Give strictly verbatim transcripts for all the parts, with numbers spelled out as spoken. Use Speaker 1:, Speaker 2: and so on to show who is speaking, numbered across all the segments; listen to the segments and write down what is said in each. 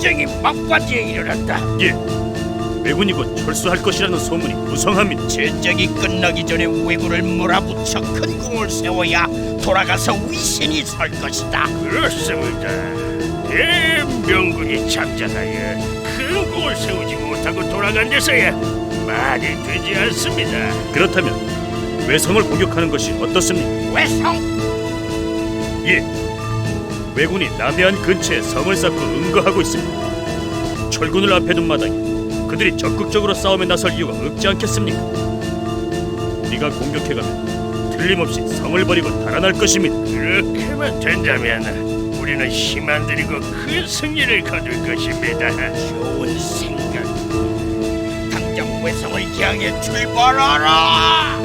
Speaker 1: 전쟁이 막바지에 이르렀다.
Speaker 2: 예, 왜군이 곧 철수할 것이라는 소문이 무성합니다.
Speaker 1: 전쟁이 끝나기 전에 왜군을 몰아붙여 큰 공을 세워야 돌아가서 위신이 설 것이다.
Speaker 3: 그렇습니다. 대명군이 참전하여 큰 공을 세우지 못하고 돌아간 데서야 말이 되지 않습니다.
Speaker 2: 그렇다면 외성을 공격하는 것이 어떻습니까?
Speaker 1: 외성?
Speaker 2: 예, 왜군이 남해안 근처에 성을 쌓고 응거하고 있습니다. 철군을 앞에 둔 마당에 그들이 적극적으로 싸움에 나설 이유가 없지 않겠습니까? 우리가 공격해가면 틀림없이 성을 버리고 달아날 것입니다.
Speaker 3: 그렇게만 된다면 우리는 힘 안 들이고 큰 승리를 거둘 것입니다.
Speaker 1: 좋은 생각. 당장 외성을 향해 출발하라.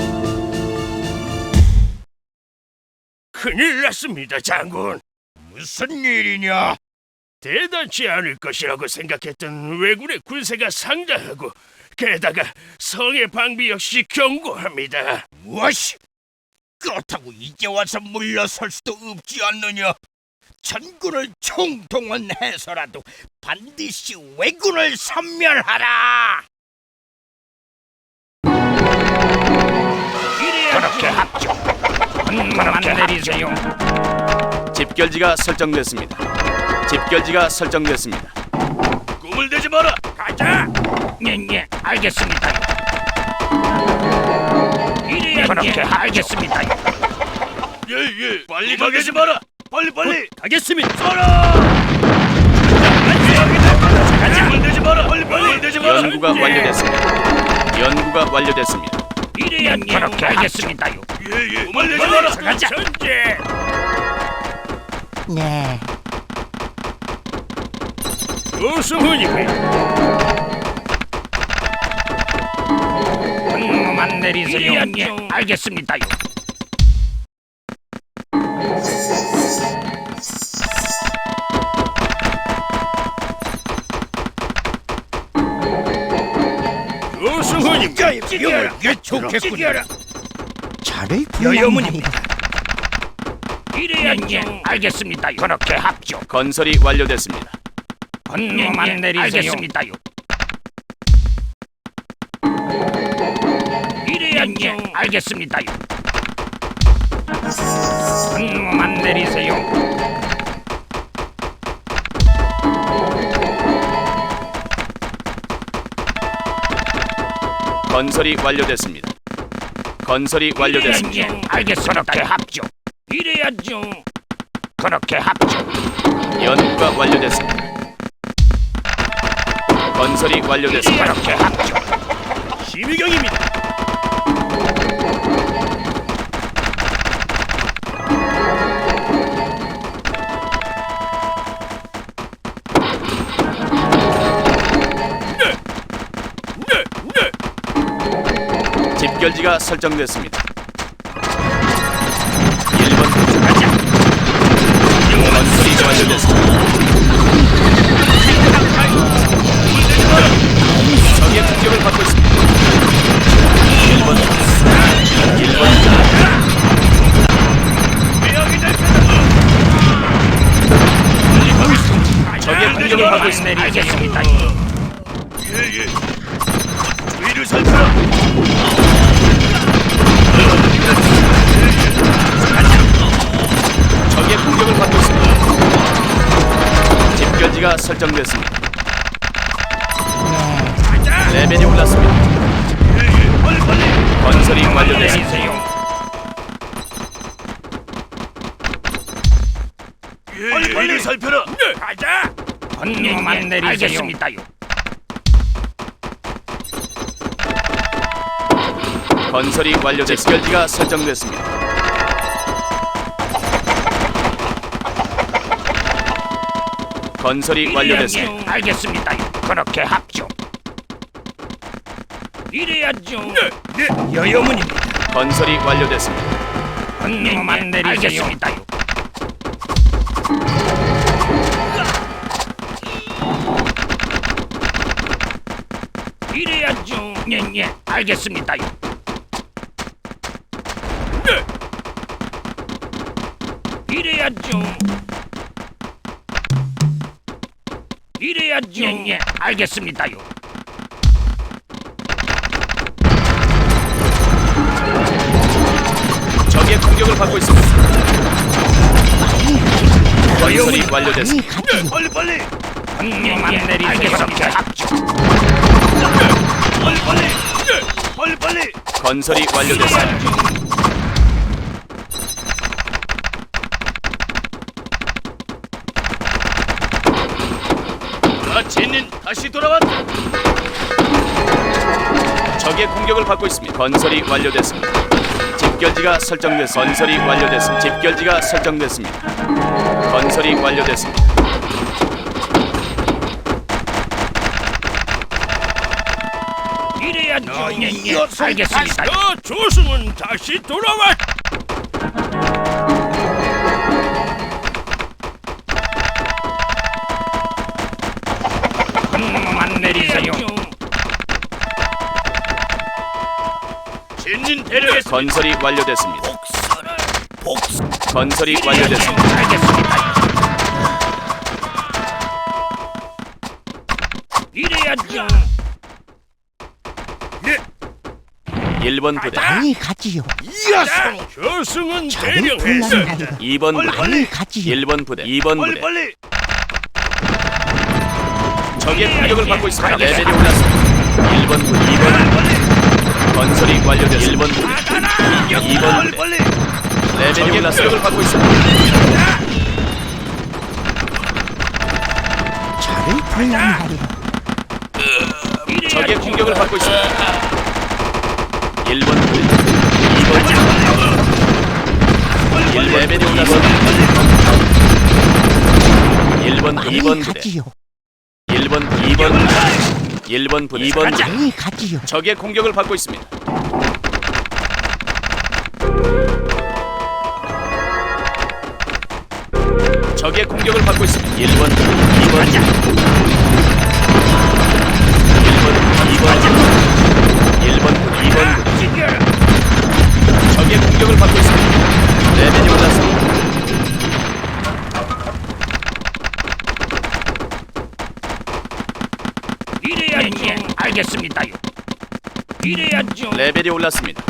Speaker 3: 큰일 났습니다, 장군.
Speaker 1: 무슨 일이냐?
Speaker 3: 대단치 않을 것이라고 생각했던 왜군의 군세가 상당하고 게다가 성의 방비 역시 견고합니다.
Speaker 1: 무엇이? 그렇다고 이제 와서 물러설 수도 없지 않느냐? 전군을 총동원해서라도 반드시 왜군을 섬멸하라. 그렇게 합죠. 분만 내리세요.
Speaker 4: 집결지가 설정됐습니다. 집결지가 설정됐습니다.
Speaker 3: 꿈을 대지 마라. 가자.
Speaker 1: 예예, 알겠습니다. 이래야 그렇게 알겠습니다.
Speaker 3: 예예. 빨리 가게지 마라. 빨리 빨리.
Speaker 2: 가겠습니다.
Speaker 3: 가자. 꿈을 대지 마라. 빨리 빨리 대지 마라.
Speaker 4: 연구가 완료됐습니다. 연구가 완료됐습니다.
Speaker 1: 이래야 그렇게 알겠습니다요.
Speaker 3: 예예. 꿈을 대지 마라. 가자. 전제.
Speaker 1: 네.
Speaker 3: 우승훈이네.
Speaker 1: 분만 내리세요. 예, 알겠습니다요.
Speaker 3: 우승훈입니다.
Speaker 1: 이걸 예촉했군요.
Speaker 5: 잘을
Speaker 1: 여여문입니다. 이래야 예, 알겠습니다요. 그렇게 합죠.
Speaker 4: 건설이 완료됐습니다.
Speaker 1: 분만 내리세요. 알겠습니다요. 이래야 예, 알겠습니다요. 분만 내리세요.
Speaker 4: 건설이 완료됐습니다. 건설이 완료됐습니다.
Speaker 1: 예, 알겠습니다. 그렇게 합죠. 이래야죠. 그렇게 합죠.
Speaker 4: 연구가 완료됐습니다. 건설이 완료됐습니다.
Speaker 1: 그렇게 합죠.
Speaker 2: 심의경입니다.
Speaker 3: 네, 네.
Speaker 4: 집결지가 설정됐습니다. 일 번 가자. 건설이 완료됐습니다. 적의 공격을 받고 있습니다. 일 번 일 번 적의 공격을 받고 있습니다.
Speaker 1: 알겠습니다.
Speaker 3: 예예. 위를 살펴라.
Speaker 4: 적의 공격을 받고 있습니다. 집결지가 설정됐습니다. 레벨이 올랐습니다.
Speaker 3: 예예. 빨리 빨리.
Speaker 4: 건설이 완료됐습니다.
Speaker 3: 예예. 위를 살펴라. 네. 가자.
Speaker 1: 분만 내리세요. 알겠습니다요.
Speaker 4: 건설이 완료됐습니다. 집결지가 설정됐습니다. 건설이 완료됐습니다.
Speaker 1: 예, 알겠습니다요. 그렇게 합죠. 이래야죠.
Speaker 3: 네. 네.
Speaker 1: 여여문입니다.
Speaker 4: 건설이 완료됐습니다.
Speaker 1: 분만 내리세요. 알겠습니다요. 이래야죠. 예예, 알겠습니다요.
Speaker 3: 네.
Speaker 1: 이래야죠.
Speaker 3: 이래야죠. 예, 예, 알겠습니다요.
Speaker 4: 적의 공격을 받고 있습니다. 건설이 완료됐습니다.
Speaker 3: 빨리 빨리. 명만 내리세요. 알겠습니다. 빨리 빨리. 빨리 빨리.
Speaker 4: 건설이 완료됐습니다.
Speaker 2: 마치는 다시 돌아왔다.
Speaker 4: 적의 공격을 받고 있습니다. 건설이 완료됐습니다. 집결지가 설정됐습니다. 건설이 완료됐습니다. 집결지가 설정됐습니다. 건설이 완료됐습니다.
Speaker 3: 이래야죠. 예, 예, 알겠습니다. 어, 조승은 다시 돌아왔. 명만 내리세요.
Speaker 2: 진진 대령했습니다.
Speaker 4: 건설이 완료됐습니다.
Speaker 3: 복수를 복수.
Speaker 4: 건설이 완료됐습니다.
Speaker 3: 알겠습니다. 이래야죠.
Speaker 4: 일 번 부대,
Speaker 5: 많이 가지요.
Speaker 3: 이야성 조승은
Speaker 5: 저를
Speaker 3: 대령했습니다.
Speaker 5: 불러낸다리가
Speaker 4: 이 번 부대,
Speaker 5: 많이 가지요.
Speaker 4: 일 번 부대, 이 번
Speaker 3: 빨리
Speaker 4: 부대.
Speaker 3: 빨리.
Speaker 4: 적의 공격을 받고 있습니다. 레벨이 올랐습니다. 일 번 부대, 이 번 부대. 건설이 완료됐습니다. 일 번 부대, 이 번
Speaker 3: 빨리
Speaker 4: 부대.
Speaker 3: 빨리.
Speaker 4: 레벨이 올랐습니다. 공격을 받고 있습니다.
Speaker 5: 저를 불러낸다리가
Speaker 4: 적의 공격을 받고 있습니다. 일 번 부대, 이 번 부대. 일 레벨이 올랐습니다. 일 번, 이 번
Speaker 5: 많이
Speaker 4: 부대,
Speaker 5: 가지요.
Speaker 4: 일 번, 이 번 부대, 일 번 부대, 이 번 부대.
Speaker 5: 많이 가지요.
Speaker 4: 적의 공격을 받고 있습니다. 적의 공격을 받고 있습니다. 일 번, 이 번, 일 번, 이 번, 일 번, 이 번. 적의 공격을 받고 있습니다. 레벨이 올랐습니다.
Speaker 3: 이래야죠. 알겠습니다요. 이래야죠.
Speaker 4: 레벨이 올랐습니다.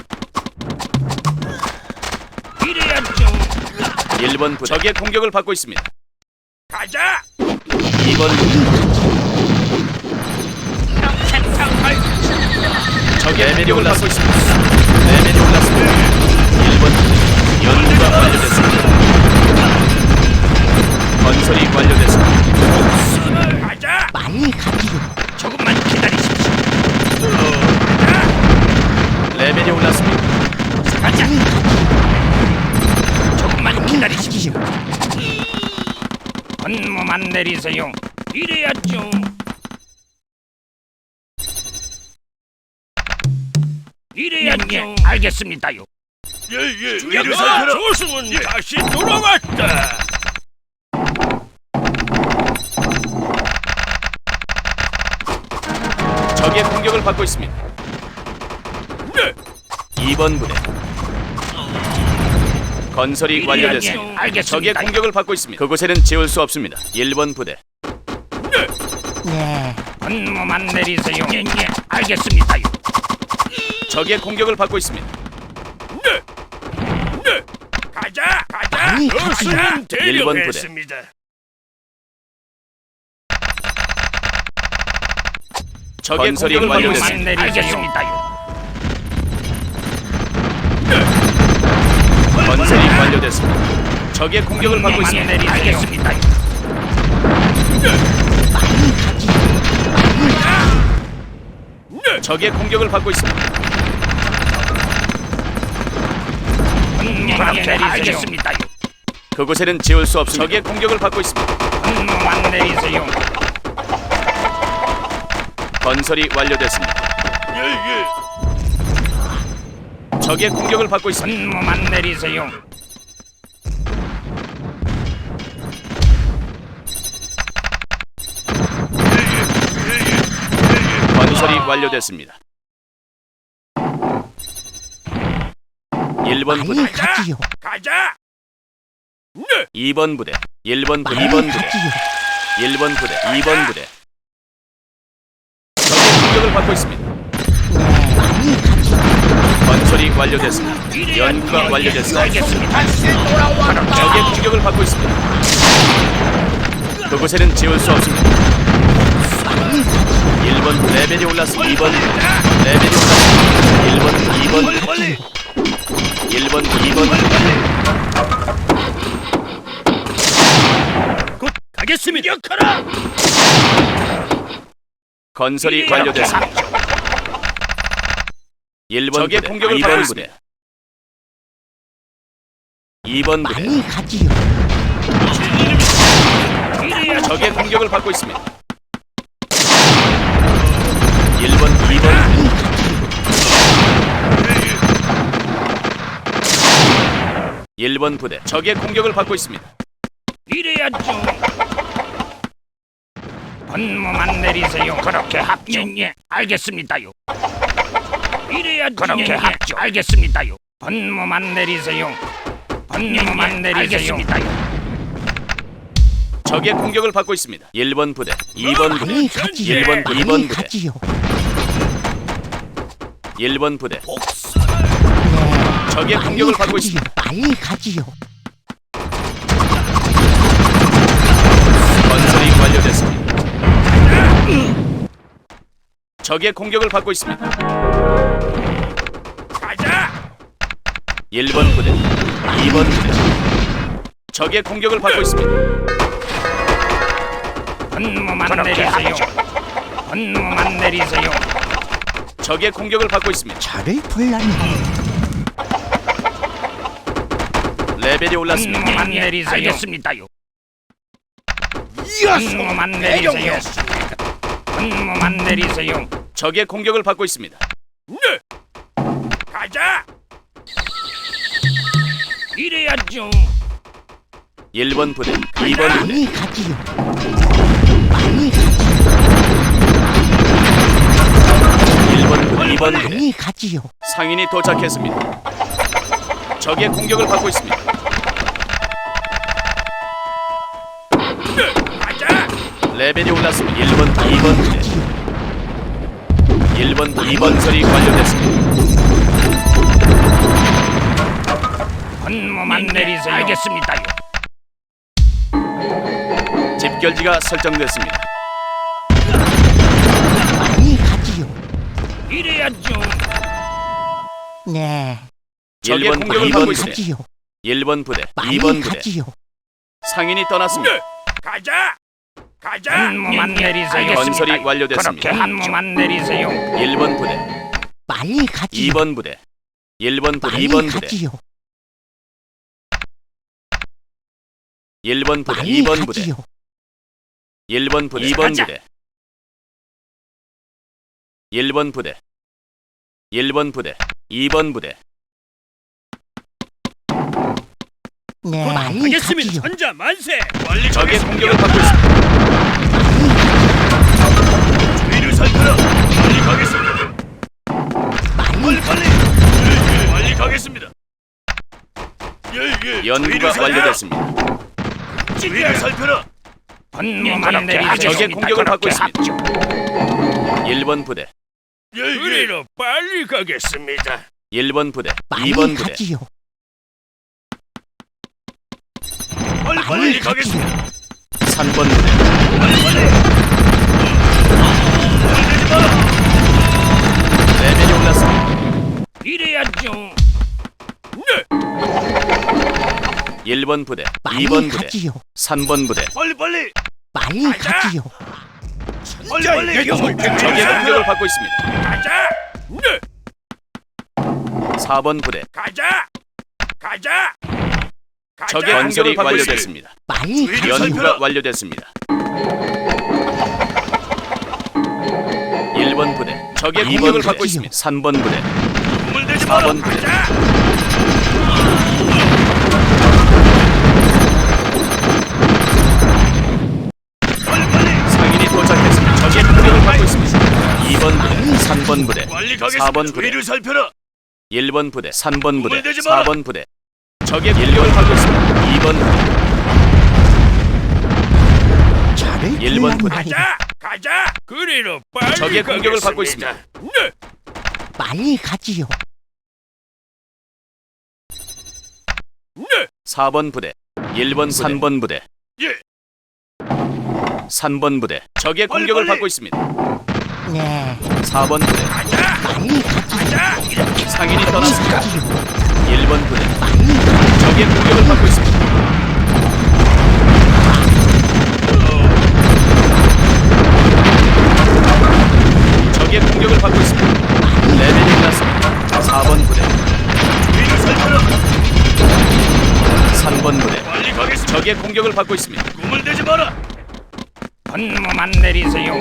Speaker 3: 이래야죠.
Speaker 4: 일 번 부대. 적의 공격을 받고 있습니다.
Speaker 3: 가자.
Speaker 4: 이 번 적의 레벨이 올랐고 있습니다. 레벨이 올랐습니다. 일 번 연구가 완료됐습니다. 건설이 완료됐습니다.
Speaker 3: 가자.
Speaker 5: 많이 가지요.
Speaker 3: 조금만 기다리십시오.
Speaker 4: 레벨이 올랐습니다.
Speaker 3: 가자.
Speaker 5: 많이 가지요.
Speaker 3: 조금만
Speaker 5: 많이
Speaker 3: 기다리십시오.
Speaker 5: 가지요.
Speaker 3: 건무만 내리세요. 이래야죠. 이래야죠. 알겠습니다요.
Speaker 2: 예예.
Speaker 3: 주력사 조승은 다시 돌아왔다.
Speaker 4: 적의 공격을 받고 있습니다.
Speaker 3: 네.
Speaker 4: 이 번 부대. 건설이 완료됐습니다. 적의
Speaker 3: 알겠습니다.
Speaker 4: 공격을 받고 있습니다. 그곳에는 지울 수 없습니다. 일 번 부대.
Speaker 5: 네.
Speaker 3: 건무만 내리세요. 예, 예. 알겠습니다요.
Speaker 4: 적의 공격을 받고 있습니다.
Speaker 3: 네. 네. 가자. 가자.
Speaker 5: 많이
Speaker 3: 조승은
Speaker 5: 가지요.
Speaker 4: 일 번 부대.
Speaker 3: 대령했습니다.
Speaker 4: 적의
Speaker 3: 건설이
Speaker 4: 공격을 받고
Speaker 3: 완료만
Speaker 4: 있습니다.
Speaker 3: 내리겠습니다요.
Speaker 4: 건설이 완료됐습니다. 적의 공격을 받고
Speaker 3: 건무만
Speaker 4: 있습니다.
Speaker 3: 내리겠습니다요.
Speaker 5: 많이 가지요.
Speaker 4: 적의 공격을 받고 있습니다.
Speaker 3: 건무만 내리겠습니다요.
Speaker 4: 그곳에는 지울 수 없습니다. 적의 공격을 받고 있습니다.
Speaker 3: 건무만 내리세요.
Speaker 4: 건설이 완료됐습니다.
Speaker 3: 예예.
Speaker 4: 적의 공격을 받고 있습니다.
Speaker 3: 건무만 내리세요.
Speaker 4: 건설이 완료됐습니다. 일 번
Speaker 5: 많이
Speaker 4: 부대,
Speaker 5: 가지요.
Speaker 3: 가자. 네.
Speaker 4: 이 번 부대, 일 번 부대,
Speaker 5: 많이
Speaker 4: 이 번 부대.
Speaker 5: 가지요.
Speaker 4: 일 번 부대, 이 번 부대. 적의 공격을 받고 있습니다.
Speaker 5: 많이 가지요.
Speaker 4: 건설이 완료됐습니다. 연구가 완료됐습니다.
Speaker 1: 다시 돌아왔다.
Speaker 4: 적의 공격을 받고 있습니다. 그곳에는 지울 수 없습니다. 일 번 레벨이 올랐습니다. 이 번 레벨이 올랐습니다. 일 번, 이 번, 일 번, 이 번.
Speaker 2: 곧 가겠습니다. 역하라.
Speaker 4: 건설이 완료됐습니다. 일 번 적의 공격을 받고 있습니다. 이 번 부대
Speaker 5: 많이 가지요.
Speaker 4: 적의 공격을 받고 있습니다. 일 번, 이 번
Speaker 5: 많이 가지요.
Speaker 4: 일 번 부대 적의 공격을 받고 있습니다.
Speaker 3: 이래야죠. 분무만 내리세요. 그렇게 합죠. 예, 알겠습니다요. 이래야죠. 그렇게 합죠. 알겠습니다요. 분무만 내리세요. 분무만 내리세요. 알겠습니다요.
Speaker 4: 적의 공격을 받고 있습니다. 일 번 부대, 이 번 부대,
Speaker 5: 많이 가지요.
Speaker 4: 일 번, 이 번
Speaker 5: 많이
Speaker 4: 부대,
Speaker 5: 가지요.
Speaker 4: 일 번 부대.
Speaker 5: 네.
Speaker 4: 적의
Speaker 5: 많이
Speaker 4: 공격을 받고
Speaker 5: 가지요.
Speaker 4: 있습니다.
Speaker 5: 많이 가지요.
Speaker 4: 건설이 완료됐습니다. 적의 공격을 받고 있습니다.
Speaker 3: 가자.
Speaker 4: 일 번 부대, 이 번 부대. 적의 공격을 받고 있습니다.
Speaker 3: 분무만 내리세요. 분무만 내리세요.
Speaker 4: 적의 공격을 받고 있습니다.
Speaker 5: 저를 불렀네.
Speaker 4: 레벨이 올랐습니다.
Speaker 3: 분무만 내리세요. 알겠습니다요.
Speaker 1: 이어서
Speaker 3: 분무만 내리세요.
Speaker 1: 대령했습니다.
Speaker 3: 분무만 내리세요.
Speaker 4: 적의 공격을 받고 있습니다.
Speaker 3: 네. 가자. 이래야죠.
Speaker 4: 일 번 부대, 이 번 부대.
Speaker 5: 많이 가지요. 많이 가지요.
Speaker 4: 일 번 부대, 이 번 부대.
Speaker 5: 많이 가지요.
Speaker 4: 상인이 도착했습니다. 적의 공격을 받고 있습니다.
Speaker 3: 네. 가자.
Speaker 4: 레벨이 올랐습니다. 일 번, 이 번 부대. 일 번, 이 번 건설이 완료됐습니다.
Speaker 3: 분무만 내리세요. 알겠습니다요.
Speaker 4: 집결지가 설정됐습니다.
Speaker 5: 많이 가지요.
Speaker 3: 이래야죠.
Speaker 5: 네.
Speaker 4: 적의
Speaker 5: 많이
Speaker 4: 공격을 받고 있습니다.
Speaker 5: 가지요.
Speaker 4: 일 번 부대,
Speaker 5: 많이
Speaker 4: 이 번 부대.
Speaker 5: 가지요.
Speaker 4: 상인이 떠났습니다.
Speaker 3: 네. 가자. 가자. 분무만 내리세요.
Speaker 4: 건설이 완료됐습니다.
Speaker 3: 그렇게 분무만 내리세요.
Speaker 4: 일 번 부대,
Speaker 5: 많이 가지요.
Speaker 4: 이 번 부대, 일 번 부대,
Speaker 5: 많이
Speaker 4: 이 번 부대,
Speaker 5: 가지요.
Speaker 4: 일 번 부대,
Speaker 5: 많이
Speaker 4: 이 번 부대,
Speaker 5: 가지요.
Speaker 4: 일 번 부대, 이 번 부대, 일 번 부대, 일 번 부대, 이 번 부대.
Speaker 5: 네. 많이
Speaker 2: 하겠습니다.
Speaker 5: 가지요.
Speaker 2: 전자 만세.
Speaker 4: 적의 공격을 받고 있습니다.
Speaker 3: 위를 살펴라. 빨리 가겠습니다.
Speaker 5: 많이
Speaker 3: 빨리. 빨리 가겠습니다. 예예.
Speaker 4: 연구가 완료됐습니다.
Speaker 3: 위를 살펴라. 분무만 내리세요.
Speaker 4: 적의 공격을 받고 있습니다. 일 번 부대,
Speaker 3: 예예. 빨리 가겠습니다.
Speaker 4: 일 번 부대,
Speaker 5: 많이
Speaker 4: 이 번 부대.
Speaker 5: 가지요.
Speaker 3: 빨리
Speaker 5: 많이
Speaker 3: 빨리 가겠습니다.
Speaker 4: 삼 번 부대,
Speaker 3: 빨리 빨리.
Speaker 4: 레벨이 올랐습니다.
Speaker 3: 이래야죠. 네.
Speaker 4: 일 번 부대,
Speaker 5: 많이
Speaker 4: 이 번 부대,
Speaker 5: 가지요.
Speaker 4: 삼 번 부대.
Speaker 3: 빨리 빨리.
Speaker 5: 많이
Speaker 3: 가자.
Speaker 5: 가지요.
Speaker 3: 빨리 빨리.
Speaker 4: 적의 공격을 받고 있습니다.
Speaker 3: 가자. 네.
Speaker 4: 사 번 부대.
Speaker 3: 가자. 가자. 가자.
Speaker 4: 적의 공격이 완료됐습니다.
Speaker 5: 많이 가지요.
Speaker 4: 연구가 완료됐습니다. 일 번 부대. 적의
Speaker 5: 많이
Speaker 4: 공격을
Speaker 5: 가지요.
Speaker 4: 받고 있습니다. 삼 번 부대.
Speaker 3: 눈물 대지
Speaker 4: 사
Speaker 3: 마라.
Speaker 4: 번 부대.
Speaker 3: 가자. 빨리 빨리.
Speaker 4: 상인이 도착했습니다. 적의 공격을 받고 있습니다. 이 번 부대, 삼 번 부대,
Speaker 3: 빨리
Speaker 4: 사 번
Speaker 3: 가겠습니다.
Speaker 4: 부대,
Speaker 3: 위를 살펴라.
Speaker 4: 일 번 부대, 삼 번 부대,
Speaker 3: 눈물 대지
Speaker 4: 사
Speaker 3: 마라.
Speaker 4: 번 부대. 적의 공격을 받고 있습니다. 이 번 부대,
Speaker 5: 저를
Speaker 4: 번 부대.
Speaker 5: 말이야.
Speaker 3: 가자. 그리로 빨리
Speaker 4: 적의 공격을 받고
Speaker 3: 가겠습니다.
Speaker 4: 있습니다.
Speaker 3: 네.
Speaker 5: 빨리 가지요.
Speaker 3: 네.
Speaker 4: 사 번 부대. 일 번 부대. 삼 번 부대.
Speaker 3: 예.
Speaker 4: 삼 번 부대. 적의 공격을
Speaker 3: 빨리.
Speaker 4: 받고 있습니다.
Speaker 5: 네,
Speaker 4: 사 번 부대.
Speaker 3: 가자.
Speaker 5: 빨리 가지요.
Speaker 3: 가자. 이렇게
Speaker 4: 상인이
Speaker 5: 빨리
Speaker 4: 떠났습니다.
Speaker 5: 가지요.
Speaker 4: 일 번 부대.
Speaker 5: 빨리 가지요.
Speaker 4: 적의 공격을 받고 있습니다. 적의 공격을 받고 있습니다. 레벨이 올랐습니다. 사 번 부대.
Speaker 3: 위를 살펴라.
Speaker 4: 삼 번 부대.
Speaker 3: 빨리 가겠습니다.
Speaker 4: 적의 공격을 받고 있습니다.
Speaker 3: 꿈을 대지 마라. 분무만 내리세요.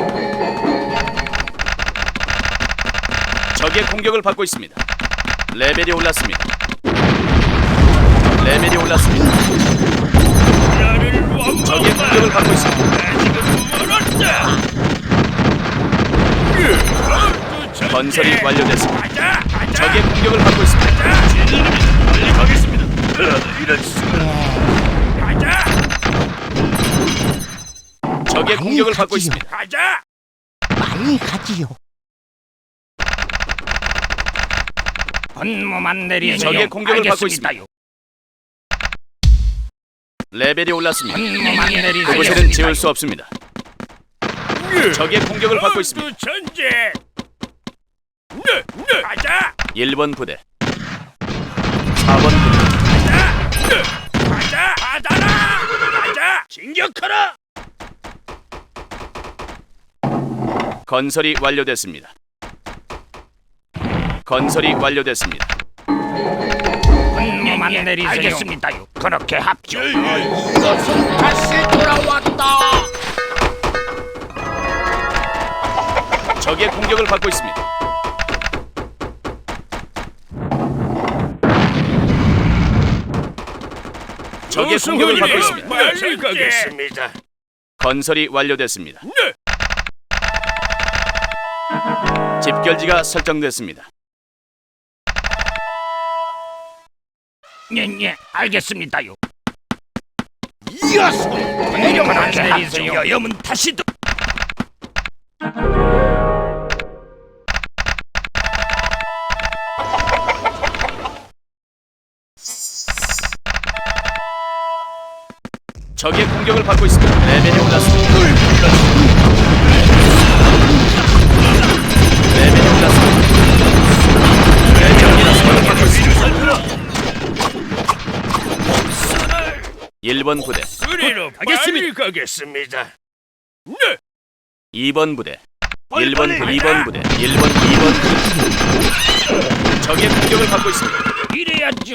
Speaker 4: 적의 공격을 받고 있습니다. 레벨이 올랐습니다. 레벨이 올랐습니다.
Speaker 3: 나를 원망.
Speaker 4: 적의 공격을 받고 있습니다.
Speaker 3: 나 지금 멀었다.
Speaker 4: 건설이 완료됐습니다.
Speaker 3: 가자. 가자.
Speaker 4: 적의 공격을 받고 있습니다.
Speaker 3: 가자. 진리입니다. 빨리 가겠습니다. 이런 수가.
Speaker 5: 네,
Speaker 3: 가자.
Speaker 4: 적의
Speaker 5: 빨리
Speaker 4: 공격을 받고
Speaker 5: 가지요.
Speaker 4: 있습니다.
Speaker 3: 가자.
Speaker 5: 빨리 가지요.
Speaker 3: 분무만 내리세요.
Speaker 4: 적의 공격을 받고
Speaker 3: 알겠습니다요.
Speaker 4: 레벨이 올랐습니다.
Speaker 3: 분무만 내리세요.
Speaker 4: 그곳에는 지울 수 없습니다. 적의 공격을 받고 있습니다.
Speaker 3: 전제. 네, 네. 가자.
Speaker 4: 일 번 부대. 사 번 부대.
Speaker 3: 가자. 네. 가자. 받아라. 가자. 진격하라.
Speaker 4: 건설이 완료됐습니다. 건설이 완료됐습니다.
Speaker 3: 분무만 내리세요. 알겠습니다요. 그렇게 합죠.
Speaker 1: 이것은 다시 돌아왔다.
Speaker 4: 적의 공격을 받고 있습니다. 적의 공격을 받고 있습니다.
Speaker 3: 빨리 가겠습니다.
Speaker 4: 건설이 완료됐습니다.
Speaker 3: 네.
Speaker 4: 집결지가 설정됐습니다.
Speaker 3: 예, 예, 알겠습니다요.
Speaker 1: 이어서
Speaker 3: 분무만 내리세요. 여염은 다시 또.
Speaker 4: 적의 공격을 받고 있습니다. 레벨이 올랐습니다. 레벨이 올랐습니다. 레벨이 올랐습니다. 일 번 부대.
Speaker 3: 그리로 빨리 가겠습니다. 네.
Speaker 4: 이 번 부대.
Speaker 3: 빨리,
Speaker 4: 일 번
Speaker 3: 빨리
Speaker 4: 부대. 이
Speaker 3: 가자.
Speaker 4: 번 부대. 일 번, 이 번 부대. 적의 공격을 받고 있습니다.
Speaker 3: 이래야죠.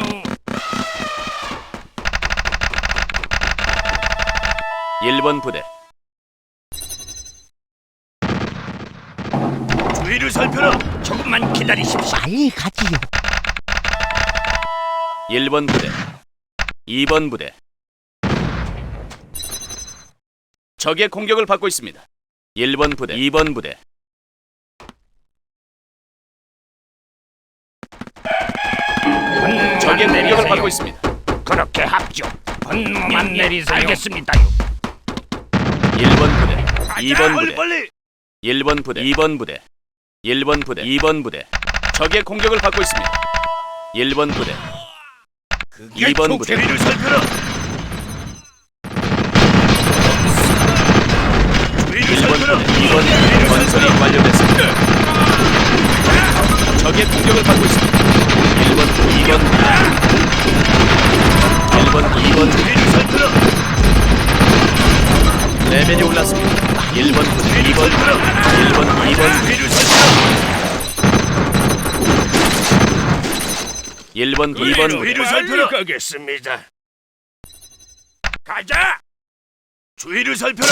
Speaker 4: 일 번 부대.
Speaker 3: 주위를 살펴라. 조금만 기다리십시오.
Speaker 5: 빨리 가지요.
Speaker 4: 일 번 부대. 이 번 부대. 적의 공격을 받고 있습니다. 일 번 부대. 이 번 부대. 적의 공격을 받고 있습니다.
Speaker 3: 그렇게 합죠. 분무만 내리세요. 알겠습니다요.
Speaker 4: 일 번 부대. 이 번 부대.
Speaker 3: 빨리.
Speaker 4: 일 번 부대. 이 번 부대. 일 번 부대. 이 번 부대. 적의 공격을 받고 있습니다. 일 번 부대. 이 번 부대.
Speaker 3: 주위를 살펴라. 주위를
Speaker 4: 일 번
Speaker 3: 살펴라.
Speaker 4: 부대. 이 번 부대. 건설이 완료됐습니다. 적의 공격을 받고 있습니다. 일 번 부대. 이 번 부대. 일 번 부대. 이 번 부대.
Speaker 3: 주위를 살펴라.
Speaker 4: 레벨이 올랐습니다. 일 번 부대. 이 번 부대. 일 번, 이 번 부대.
Speaker 3: 주위를 살펴라.
Speaker 4: 일 번, 이 번 부대.
Speaker 3: 주위를 살펴라. 가겠습니다. 가자. 주위를 살펴라.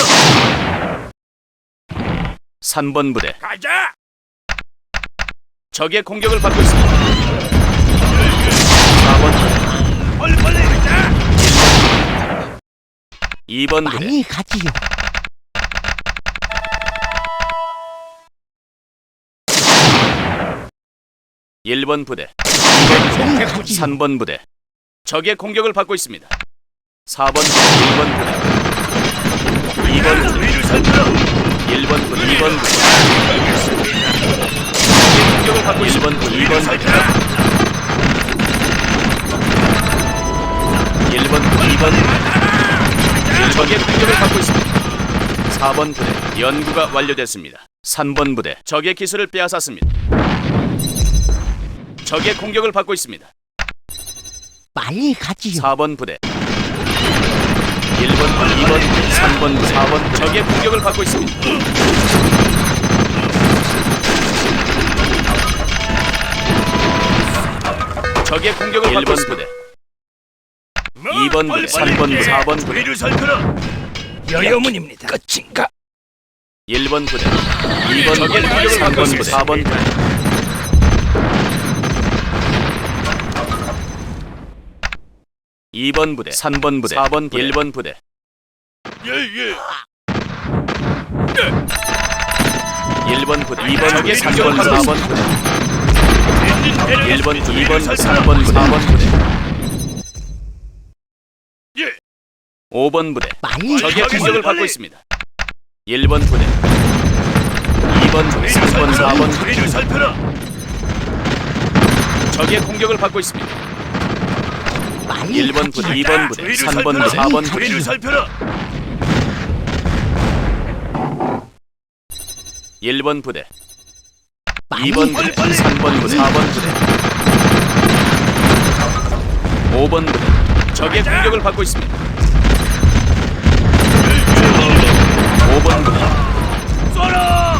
Speaker 4: 삼 번 부대.
Speaker 3: 가자.
Speaker 4: 적의 공격을 받고 있습니다. 사 번 부대.
Speaker 3: 빨리 빨리 가자.
Speaker 4: 이 번 부대.
Speaker 5: 빨리 가지요.
Speaker 4: 일 번 부대.
Speaker 5: 빨리 가지요.
Speaker 4: 삼 번 부대. 적의 공격을 받고 있습니다. 사 번 부대. 일 번 부대. 이 번 부대.
Speaker 3: 주위를 살펴라.
Speaker 4: 번 부대 적의 공격을 받고 있습니다. 일 번 부대 이 번 부대 일 번 부대 이 번 부대 적의 공격을 받고 있습니다. 사 번 부대 연구가 완료됐습니다. 삼 번 부대 적의 기술을 빼앗았습니다. 적의 공격을 받고 있습니다.
Speaker 5: 빨리 가지요.
Speaker 4: 사 번 부대 일 번 부대 이 번 부대 삼 번 부대 사 번 부대 적의 공격을 받고 있습니다. 적의 공격을 받고 있습니다. 이 번 부대 삼 번 부대 사 번 부대
Speaker 3: 뒤를 살펴라.
Speaker 1: 여여문입니다. 끝인가?
Speaker 4: 일 번 부대 이 번 부대 삼 번 부대 사 번 부대 이 번 부대 삼 번 부대 사 번 부대 일 번 부대
Speaker 3: 예예.
Speaker 4: 일 번 부대 이 번 부대 삼 번 사 번 부대 일 번 이 번 삼 번 사 번 부대
Speaker 3: 예.
Speaker 4: 오 번 부대
Speaker 5: 빨리
Speaker 4: 적의
Speaker 5: 가지요.
Speaker 4: 공격을 받고 있습니다. 일 번 부대 이 번 부대 삼 번 사 번 부대
Speaker 3: 뒤를 살펴라.
Speaker 4: 적의 공격을 받고 있습니다.
Speaker 5: 빨리
Speaker 4: 일 번 부대
Speaker 5: 가지요.
Speaker 4: 이 번 부대 삼 번 부대 사 번 부대
Speaker 3: 뒤를 살펴라.
Speaker 4: 일 번 부대
Speaker 5: 빨리
Speaker 4: 이 번 부대 삼 번 부대 사 번 부대 오 번 부대 적의 공격을 받고 있습니다. 오 번 부대
Speaker 3: 쏘라.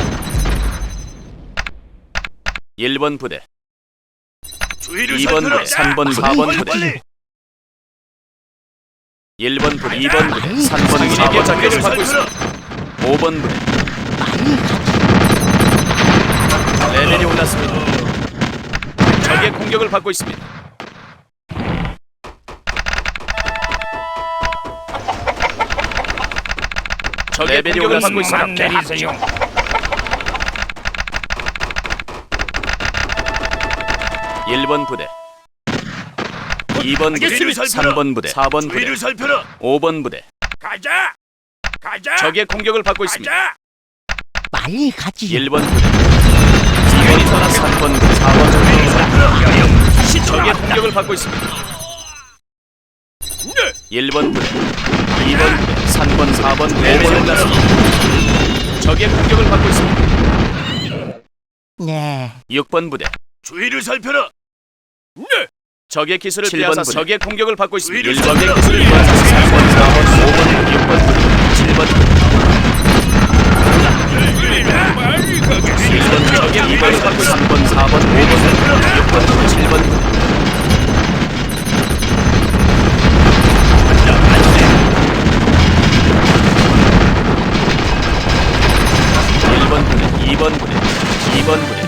Speaker 4: 일 번 부대
Speaker 3: 뒤를
Speaker 4: 이 번
Speaker 3: 살펴라.
Speaker 4: 부대 삼 번 사 번 부대 일 번 부대 이 번 부대 삼 번 사 번 적을 받고 있습니다. 오 번 부대
Speaker 5: 빨리 가지요.
Speaker 4: 레벨이 올랐습니다. 적의 공격을 받고 있습니다. 적의
Speaker 1: 레벨이
Speaker 4: 공격을 받고
Speaker 1: 올랐습니다.
Speaker 4: 있습니다.
Speaker 1: 내리세요.
Speaker 4: 일 번 부대 이 번 부대
Speaker 3: 알겠습니다.
Speaker 4: 삼 번 부대 사 번 부대
Speaker 3: 뒤를 살펴라.
Speaker 4: 오 번 부대
Speaker 3: 가자. 가자.
Speaker 4: 적의 공격을 받고 있습니다.
Speaker 3: 가자.
Speaker 5: 빨리 가지요.
Speaker 4: 일 번 부대 이 번 부대 삼 번 부대 사 번 부대
Speaker 3: 다시
Speaker 4: 적의 공격을 받고 있습니다.
Speaker 3: 네.
Speaker 4: 일 번 부대 이 번 부대 삼 번 사 번 오 번 올랐습니다. 적의 공격을 받고 있습니다.
Speaker 5: 네.
Speaker 4: 육 번 부대
Speaker 3: 뒤를 살펴라. 네.
Speaker 4: 적의 기술을 빼앗아 적의 공격을 받고 있습니다.
Speaker 3: 위를
Speaker 4: 일 적의
Speaker 3: 살펴라.
Speaker 4: 기술을 빼앗아 삼 번 사 번 오 번 육 번 칠 번
Speaker 3: 빨리
Speaker 4: 일
Speaker 3: 가겠습니다.
Speaker 4: 번 적의 공격을 받고 삼 번 사 번 오 번 육 번 칠 번 일 번 부대 이 번 부대 이 번 부대